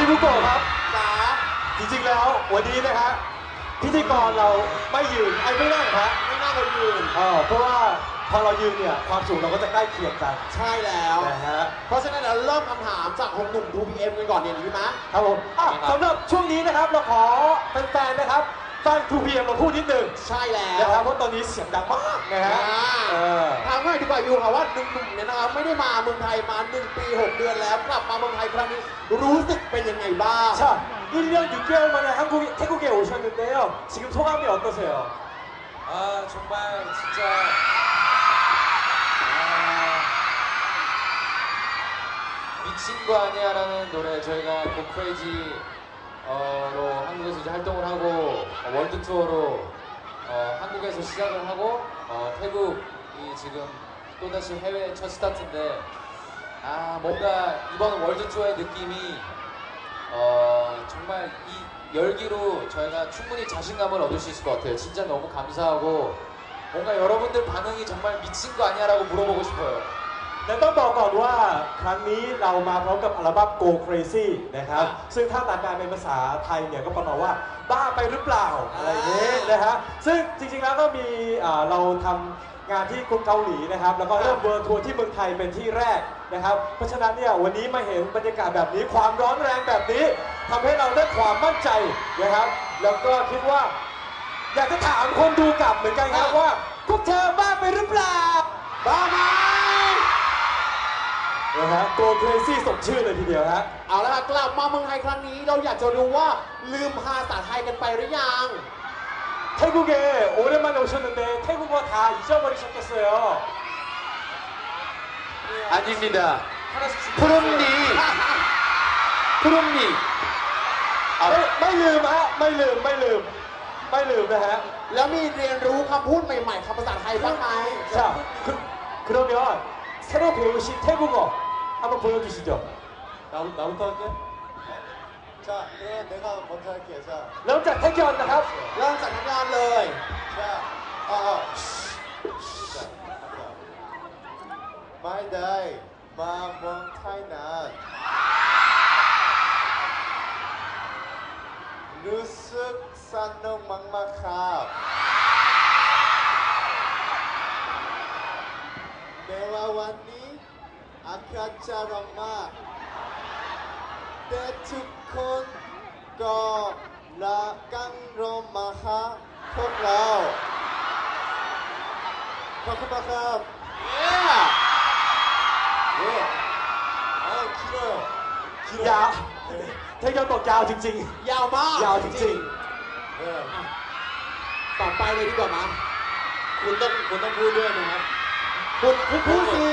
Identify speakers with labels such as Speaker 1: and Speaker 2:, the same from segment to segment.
Speaker 1: บุโกะครับ
Speaker 2: จ๋า
Speaker 1: จริงๆแล้ววันนี้นะฮะพิธีกรเราไม่ยืนไม่นั่งฮะ
Speaker 2: ไม่น่าจะยืน
Speaker 1: เพราะว่าพอเรายืนเนี่ยความสูงเราก็จะใกล้เคียงกัน
Speaker 2: ใช่แล้ว
Speaker 1: นะฮะ
Speaker 2: เพราะฉะนั้นเราเริ่มคำถามจากหนุ่ม 2PM กันก่อนเนี่ยดีไหม
Speaker 1: ครับผมสำหรับช่วงนี้นะครับเราขอแฟนๆนะครับฟัง 2PM เราพูดนิดหนึ่ง
Speaker 2: ใช่แล้ว
Speaker 1: นะครับเพราะตอนนี้เสียงดังมากนะฮะ
Speaker 2: ถามง่ายดีกว่าอยู่ค่ะว่าหนุ่มๆเนี่ยนะครับไม่ได้มาเมืองไทยมา1 ปี 6 เดือนแล้วกลับมาเมืองไทยครั้งนี้รู้สึกเป็นยังไงบ้าง
Speaker 1: 자 1년 6개월 만에 태국에 오셨는데요 지금 소감이 어떠세요?
Speaker 3: 정말 진짜 미친 거 아니야라는 노래 저희가 고 크레이지로 한국에서 이제 활동을 하고 월드 투어로 한국에서 시작을 하고 태국이 지금 또다시 해외 첫 스타트인데 뭔가 이번 월드 투어의 느낌이 정말 이 열기로 저희가 충분히 자신감을 얻을 수 있을 것 같아요. 진짜 너무 감사하고 뭔가 여러분들 반응이 정말 미친 거 아니야라고 물어보고 싶어요.
Speaker 1: แต่ต้องบอกก่อนว่าครั้งนี้เรามาพร้อมกับอัลบั้ม Go Crazy นะครับซึ่งถ้าตามการเป็นภาษาไทยเนี่ยก็ประมาณว่าบ้าไปหรือเปล่าอะไรอย่างนี้นะฮะซึ่งจริงๆแล้วก็มีเราทำงานที่กรุงเกาหลีนะครับแล้วก็เริ่มเวิร์ทัวร์ที่เมืองไทยเป็นที่แรกนะครับเพราะฉะนั้นเนี่ยวันนี้มาเห็นบรรยากาศแบบนี้ความร้อนแรงแบบนี้ทำให้เราได้ความมั่นใจนะครับแล้วก็คิดว่าอยากจะถามคนดูกลับเหมือนกันครับว่าพวกเธอบ้าไปหรือเปล่า
Speaker 2: บ้าไหม
Speaker 1: นะฮะ Go Crazy สมชื่อเลยทีเดียวฮะ
Speaker 2: เอาละกลับมาเมืองไทยครั้งนี้เราอยากจะรู้ว่าลืมภาษาไทยกันไปหรือยัง
Speaker 1: 태국에 오랜만에 오셨는데 태국어 다 잊어버리셨겠어요.
Speaker 3: 아닙니다.
Speaker 1: 푸름니. 푸름니. ไม่ลืมฮะไม่ลืมนะฮะ
Speaker 2: แล้วมีเรียนรู้คำพูดใหม่ๆคำภาษาไทยบ้างไหม
Speaker 1: 자 그러면 새로 배우신 태국어 한번 보여주시죠. 나부터 할게.
Speaker 4: 자, 그럼 내가 먼저 할게요. 자,
Speaker 1: เริ่มจากแท็กยอนนะครับ
Speaker 2: เริ่มจากนักงานเลย
Speaker 4: 자, 자, My day, my one time 루스 산능 막막합 내와 왔니 아까처럼 막แต่ทุกคนก็รักกันรอมาหาพวกเราขอบคุณมากครับ길어요
Speaker 1: ยาวแท็กยอนบอกยาวจริง
Speaker 2: ยาวมาก
Speaker 1: ยาวจริง
Speaker 2: ต่อไปเลยดีกว่ามั้ย
Speaker 3: คุณต้องพูดด้วยนะครับ
Speaker 2: คุณพูดสิ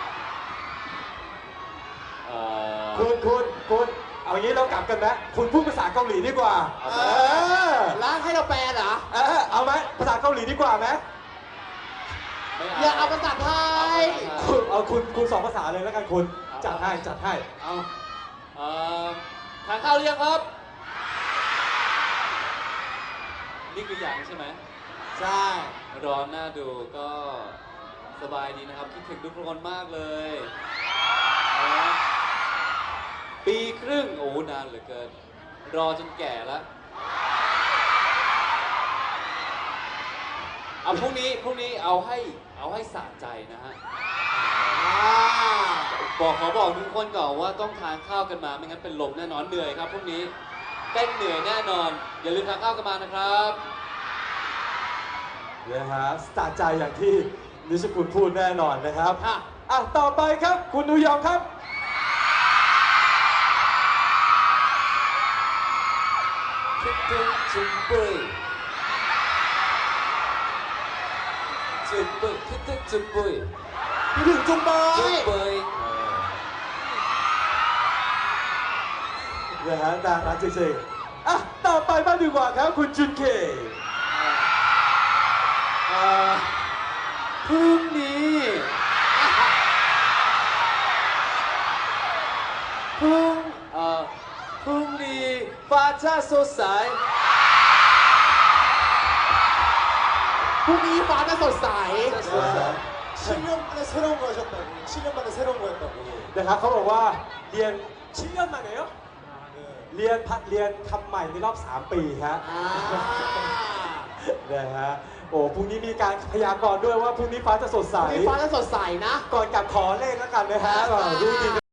Speaker 1: คุณเอางี้เรากลับกันนะคุณพูดภาษาเกาหลีดีกว่า
Speaker 2: แล้วให้เราแปลเหรอ
Speaker 1: เอาไหมภาษาเกาหลีดีกว่าไหม
Speaker 2: อย่าเอาภาษาไทย
Speaker 1: คุณ2 ภาษาเลยแล้วกันคุณจัดให้
Speaker 3: เอาทานข้าวหรือยังครับนี่คืออย่างใช่ไหม
Speaker 2: ใช่
Speaker 3: ร้อนน่าดูก็สบายดีนะครับคิดถึงทุกคนมากเลยปีครึ่งโอ้นานเหลือเกินรอจนแก่แล้วพรุ่งนี้เอาให้สะใจนะฮะขอบอกทุกคนก่อนว่าต้องทานข้าวกันมาไม่งั้นเป็นลมแน่นอนเหนื่อยครับพรุ่งนี้เต้นเหนื่อยแน่นอนอย่าลืมทานข้าวกันมานะครับ
Speaker 1: นะฮะสะใจอย่างที่นิชคุณพูดแน่นอนนะครับต่อไปครับคุณนูยองครับ
Speaker 3: คิดถึงจุ๊บปุ้ยคิดถึงจุ๊บปุ้ย
Speaker 2: คิดถึงจุ๊บปุ้ย
Speaker 1: นะฮะน่ารักจริงๆต่อไปบ้างดีกว่าครับคุณจุนเค
Speaker 3: พรุ่งนี้ฟ้าจะสดใส
Speaker 2: พรุ่งนี้ฟ้าจะสดใส
Speaker 4: 7년 만에 새로운 거 하셨다고 7년 만에 새로운 거 했다고
Speaker 1: นะครับเขาบอกว่าเรียน7년 만에요?
Speaker 4: 네.
Speaker 1: เรียนทำใหม่ในรอบ 3 ปีฮะ นะฮะโอ้พรุ่งนี้มีการพยากรณ์ด้วยว่าพรุ่งนี้ฟ้าจะสดใส
Speaker 2: มีฟ้าจะสดใสนะ
Speaker 1: ก่อนกลับขอเลขแล้วกันนะฮะดูดี